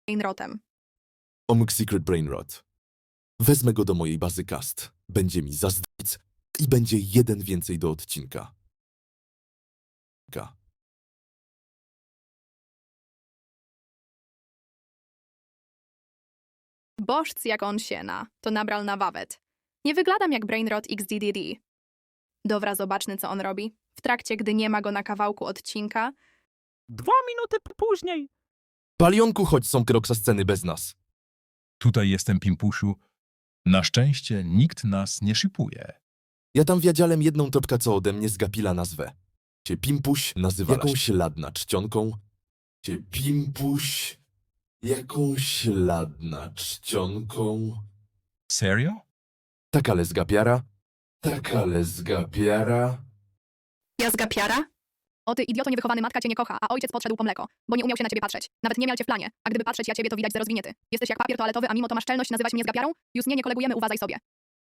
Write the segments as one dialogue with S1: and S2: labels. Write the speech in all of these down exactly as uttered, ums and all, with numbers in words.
S1: brainrotem.
S2: Omg Secret Brainrot. Wezmę go do mojej bazy cast. Będzie mi zazdrowic i będzie jeden więcej do odcinka. Ka.
S1: Bożc jak on siena, to nabral na wawet. Nie wyglądam jak brainrot X D D D. Dobra, zobaczmy co on robi. W trakcie, gdy nie ma go na kawałku odcinka,
S3: Dwa minuty p- później.
S2: Palionku, chodź są kroksa sceny bez nas.
S4: Tutaj jestem, Pimpuszu. Na szczęście nikt nas nie shipuje.
S2: Ja tam wiadziałem jedną topka, co ode mnie zgapila nazwę. Cię Pimpuś nazywa jakąś ladna czcionką. Cię Pimpuś jakąś ladna czcionką.
S4: Serio?
S2: Tak ale zgapiara. Tak ale zgapiara.
S1: ja zgapiara? O ty idioto niewychowany, matka cię nie kocha, a ojciec podszedł po mleko, bo nie umiał się na ciebie patrzeć. Nawet nie miał cię w planie, a gdyby patrzeć ja ciebie, to widać, że rozwinięty. Jesteś jak papier toaletowy, a mimo to masz czelność nazywać mnie zgapiarą? Już nie, nie kolegujemy, uważaj sobie.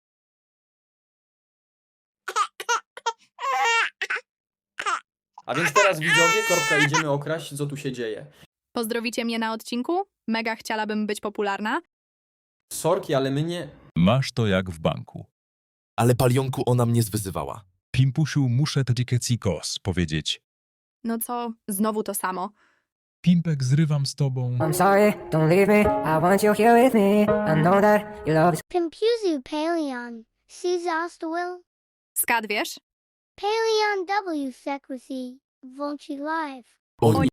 S5: A więc teraz widzowie, korbka, idziemy okraść, co tu się dzieje.
S1: Pozdrowicie mnie na odcinku? Mega chciałabym być popularna.
S5: Sorki, ale my nie...
S4: Masz to jak w banku.
S2: Ale Palionku ona mnie zwyzywała.
S4: Pimpuszu, muszę tadikecikos powiedzieć.
S1: No co, znowu to samo.
S4: Pimpek, zrywam z tobą.
S6: I'm sorry, don't leave me. I want you here with me. I know that your love is
S7: Pimpuzu Paleon, Will.
S1: Skad wiesz?
S7: Paleon W Secrecy, Volchi Live.
S2: O